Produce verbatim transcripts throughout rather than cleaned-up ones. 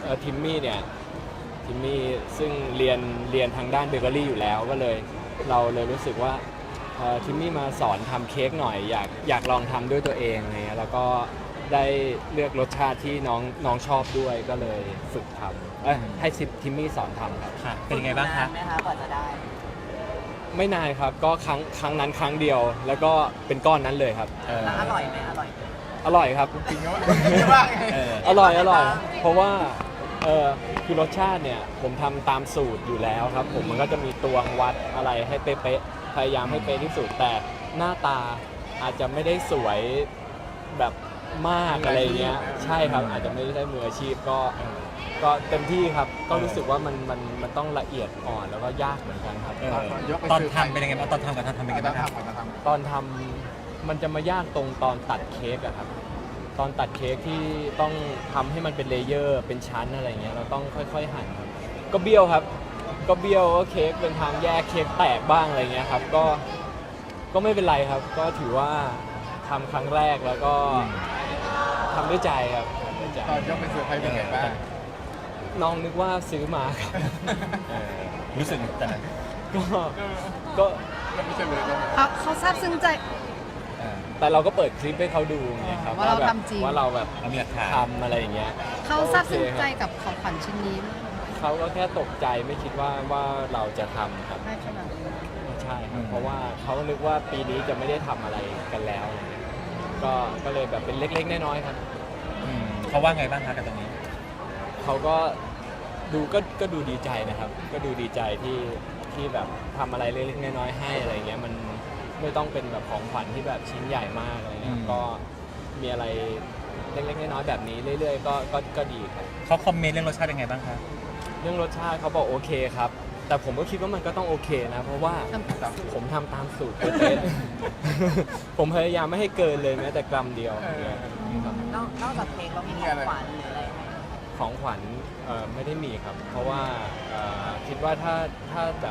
อทิมมี่เนี่ยทิมมี่ซึ่งเรียนเรียนทางด้านเบเกอรี่อยู่แล้วก็เลยเราเลยรู้สึกว่าเอ่อทิมมี่มาสอนทำเค้กหน่อยอยากอยากลองทำด้วยตัวเองอะไรเงี้ยแล้วก็ได้เลือกรสชาติที่น้องน้องชอบด้วยก็เลยฝึกทำเอ้ยให้ทิมมี่สอนทำครับค่ะเป็นยังไงบ้างคะนานไหมคะกว่าจะได้ไม่นานครับก็ครั้งครั้งนั้นครั้งเดียวแล้วก็เป็นก้อนนั้นเลยครับเออแล้วอร่อยไหมอร่อยไหมอร่อยครับจริงๆว่าเอออร่อยอร่อย เพราะว่าเออคือรสชาติเนี่ยผมทำตามสูตรอยู่แล้วครับ ผมมันก็จะมีตวงวัดอะไรให้เป๊ะๆพยายามให้เป๊ะที่สุดแต่หน้าตาอาจจะไม่ได้สวยแบบมากอะไรเงี้ยใช่ครับอาจจะไม่ได้มืออาชีพก็ก็เต็มที่ครับก็รู้สึกว่ามันมันมันต้องละเอียดอ่อนแล้วก็ยากเหมือนกันครับเออตอนทำเป็นยังไงบ้างตอนทำกับตอนทำเป็นยังไงตอนบ้างครับทำก่อนทำตอนทำมันจะมายากตรงตอนตัดเค้กอะครับ ตอนตัดเค้กที่ต้องทำให้มันเป็นเลเยอร์เป็นชั้นอะไรเงี้ยเราต้องค่อยๆหั่นครับก็เบี้ยวครับ ก็เบี้ยวก็เค้กเป็นทางแยกเค้กแตกบ้างอะไรเงี้ยครับก็ก็ไม่เป็นไรครับ ก็ถือว่าทำครั้งแรกแล้วก็ทำด้วยใจครับทำด้วยใจตอนยกไปเซอร์ไพรส์เป็นไงบ้างน้องนึกว่าซื้อมาครับเออรู้สึกแต่ก็ก็แล้วไม่ใช่เลยก็เขาเขาซาบซึ้งใจเออแต่เราก็เปิดคลิปให้เขาดูไงครับว่าเราแบบทำจริงว่าเราแบบเรามีหลักฐานทำอะไรอย่างเงี้ยเขาซาบซึ้งใจโอเคครับกับของขวัญชิ้นนี้เขาก็แค่ตกใจไม่คิดว่าว่าเราจะทำครับได้ขนาดนี้ใช่ครับเพราะว่าเขานึกว่าปีนี้จะไม่ได้ทำอะไรกันแล้วอะไรเงี้ยก็ก็เลยแบบเป็นเล็กๆน้อยๆครับอืมเขาว่าไงบ้างคะกับตรงนี้เขาก็ดูก็ก็ดูดีใจนะครับ ก็ดูดีใจที่ที่แบบทำอะไรเล็กๆน้อยๆให้อะไรเงี้ยมันไม่ต้องเป็นแบบของขวัญที่แบบชิ้นใหญ่มากอะไรเงี้ยอืมก็มีอะไรเล็กๆน้อยๆแบบนี้เรื่อยๆก็ก็ก็ดีครับเขาคอมเมนต์เรื่องรสชาติยังไงบ้างคะเรื่องรสชาติเขาบอกโอเคครับ แต่ผมก็คิดว่ามันก็ต้องโอเคนะ เพราะว่าผมทำตามสูตรเป๊ะๆ ผมพยายามไม่ให้เกินเลยแม้แต่กรัมเดียวเนี่ยครับนอกนอกจากเค้กเรามีของขวัญหรืออะไรไหมของขวัญเอ่อไม่ได้มีครับ เพราะว่าเอ่อคิดว่าถ้าถ้าแบบ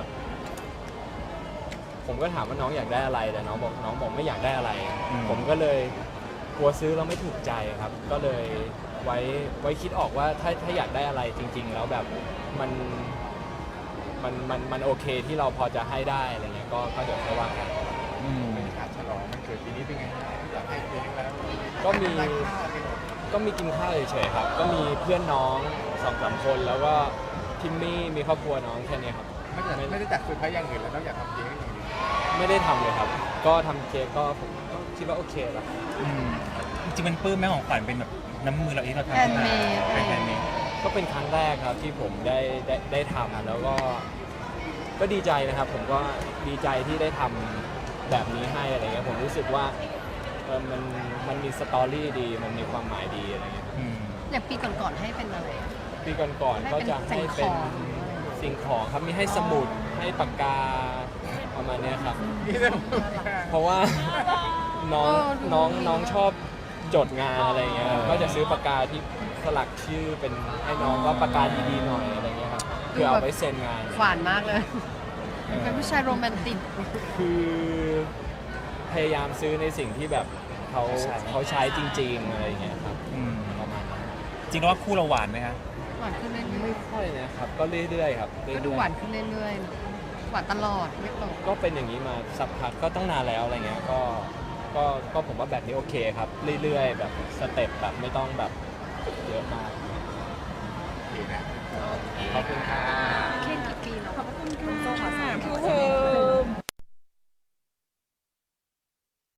ผมก็ถามว่าน้องอยากได้อะไรแต่น้องบอกน้องบอกไม่อยากได้อะไรอืมผมก็เลยกลัวซื้อแล้วไม่ถูกใจครับ ก็เลยไว้ไว้คิดออกว่าถ้าถ้าอยากได้อะไรจริง ๆ แล้วแบบมันมันมันมันโอเคที่เราพอจะให้ได้อะไรเงี้ยก็ก็เดี๋ยวค่อยว่ากันอืมบรรยากาศฉลองมันเกิดปีนี้เป็นไงอยากให้เค้กแล้วก็มีได้ข้าวกันหมดก็มีกินข้าวเฉยๆครับ ก็มีเพื่อนน้องสองสามคนแล้วก็ทิมมี่มีครอบครัวน้องแค่นี้ครับไม่ได้ไม่ได้จัดเซอร์ไพรส์อย่างอื่นแล้วนอกจากทำเค้กอย่างเดียวไม่ได้ทำเลยครับ ก็ทำเค้กก็ผมก็คิดว่าโอเคแล้วอืมจริงๆมันปลื้มแม่ของขวัญเป็นแบบน้ำมือเราเองเราทำแฮนด์เมดเป็นแฮนด์เมดก็เป็นครั้งแรกครับที่ผมได้ได้ได้ทำแล้วก็ก็ดีใจนะครับ ผมก็ดีใจที่ได้ทำแบบนี้ให้อะไรเงี้ยผมรู้สึกว่าเออมันมันมีสตอรี่ดีมันมีความหมายดีอะไรเงี้ยอืมอย่างปีก่อนๆให้เป็นอะไรอะปีก่อนๆก็จะให้เป็นสิ่งของครับมีให้สมุดให้ปากกาประมาณเนี้ยครับนี่เลยเพราะว่าน้องน้องน้องชอบจดงานอะไรเงี้ยเออก็จะซื้อปากกาที่สลักชื่อเป็นให้น้องก็ปากกาดีๆหน่อยอะไรเงี้ยครับเพื่อเอาไว้เซ็นงานหวานมากเลย เป็นผู้ชายโรแมนติกคือพยายามซื้อในสิ่งที่แบบเขาเขาใช้จริง ๆอะไรเงี้ยครับอืมประมาณนั้นจริงแล้วว่าคู่เราหวานไหมคะหวานขึ้นเรื่อยไม่ค่อยนะครับก็เรื่อยๆครับๆเรื่ก็ดูอยหวานขึ้นเรื่อยๆ หวานตลอดไม่ตกๆก็เป็นอย่างนี้มาสักพักก็ต้องนานแล้วอะไรเงี้ยก็ก็ก็ผมว่าแบบนี้โอเคครับ เรื่อยๆ แบบสเต็ปแบบไม่ต้องแบบเยอะมากโอเคนะขอบคุณครับ